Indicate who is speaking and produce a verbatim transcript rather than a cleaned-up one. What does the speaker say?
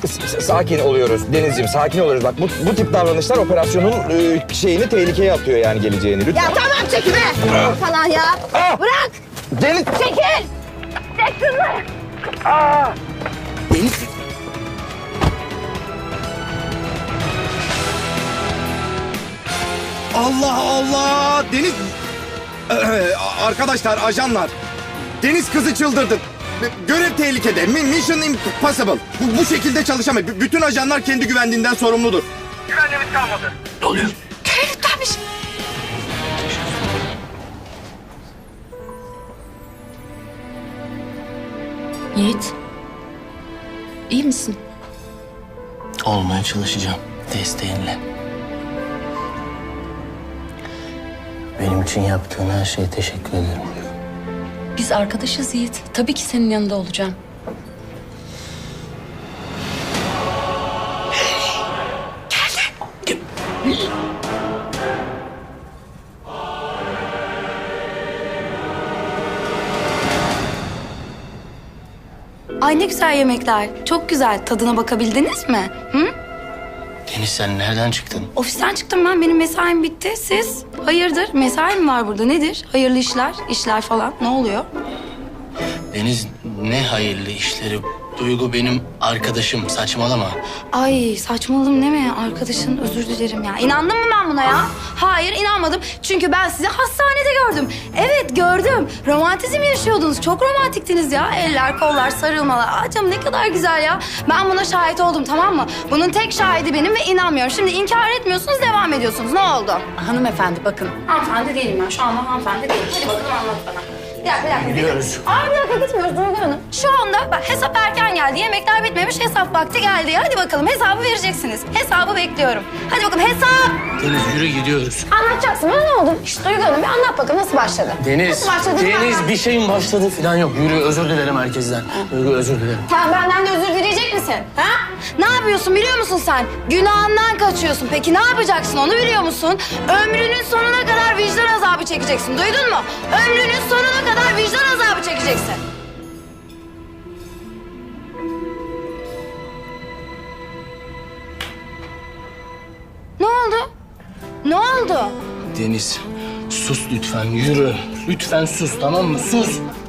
Speaker 1: S- sakin oluyoruz Denizciğim, sakin oluyoruz. Bak bu, bu tip davranışlar operasyonun e, şeyini tehlikeye atıyor yani geleceğini. Lütfen.
Speaker 2: Ya tamam çekime. Falan ya.
Speaker 1: Aa!
Speaker 2: Bırak.
Speaker 1: Deniz!
Speaker 2: Çekil. Çek şunları.
Speaker 1: Deniz! Allah Allah! Deniz... Ee, arkadaşlar, ajanlar. Deniz kızı çıldırdı. Görev tehlikede. Mi- Mission impossible. Bu, bu şekilde çalışamayız. B- bütün ajanlar kendi güvenliğinden sorumludur. Güvenliğimiz kalmadı. Ne oluyor?
Speaker 2: Görevlenmiş.
Speaker 3: Yiğit. İyi misin?
Speaker 4: Olmaya çalışacağım desteğinle. Benim için yaptığın her şeye teşekkür ederim.
Speaker 3: Biz arkadaşız Yiğit. Tabii ki senin yanında olacağım.
Speaker 5: Ay ne güzel yemekler. Çok güzel. Tadına bakabildiniz mi? Hı?
Speaker 4: Deniz sen nereden çıktın?
Speaker 5: Ofisten çıktım ben. Benim mesaim bitti. Siz? Hayırdır? Mesai mi var burada? Nedir? Hayırlı işler, işler falan. Ne oluyor?
Speaker 4: Deniz ne hayırlı işleri. Duygu benim arkadaşım, saçmalama.
Speaker 5: Ay saçmaladım değil mi? Arkadaşın özür dilerim ya. İnandın mı ben buna ya? Hayır inanmadım. Çünkü ben sizi hastanede gördüm. Evet gördüm. Romantizm yaşıyordunuz. Çok romantiktiniz ya. Eller, kollar, sarılmalar. Aa canım ne kadar güzel ya. Ben buna şahit oldum tamam mı? Bunun tek şahidi benim ve inanmıyorum. Şimdi inkar etmiyorsunuz, devam ediyorsunuz. Ne oldu?
Speaker 3: Hanımefendi bakın.
Speaker 5: Hanımefendi değilim ben. Şu anda hanımefendi değilim. Hadi bakalım anlat bana. Bir dakika, bir dakika.
Speaker 4: Gidiyoruz.
Speaker 5: Aa bir dakika gitmiyoruz Duygu Hanım. Şu anda bak hesap erken geldi. Yemekler bitmemiş. Hesap vakti geldi. Hadi bakalım hesabı vereceksiniz. Hesabı bekliyorum. Hadi bakalım hesap.
Speaker 4: Deniz yürü gidiyoruz.
Speaker 5: Anlatacaksın. Bana ne oldu? İşte Duygu Hanım bir anlat bakalım nasıl başladı?
Speaker 4: Deniz,
Speaker 5: Nasıl başladı?
Speaker 4: Deniz
Speaker 5: Anlat.
Speaker 4: bir şeyin başladı falan yok. Yürü özür dilerim herkesten. Duygu özür dilerim.
Speaker 5: Sen benden de özür dileyecek misin? Ha? Ne yapıyorsun biliyor musun sen? Günahından kaçıyorsun. Peki ne yapacaksın onu biliyor musun? Ömrünün sonuna kadar vicdan azabı çekeceksin. Duydun mu? Ömrünün sonuna kadar vicdan azabı çekeceksin. Ne oldu? Ne oldu?
Speaker 4: Deniz sus lütfen yürü. Lütfen sus tamam mı? Sus.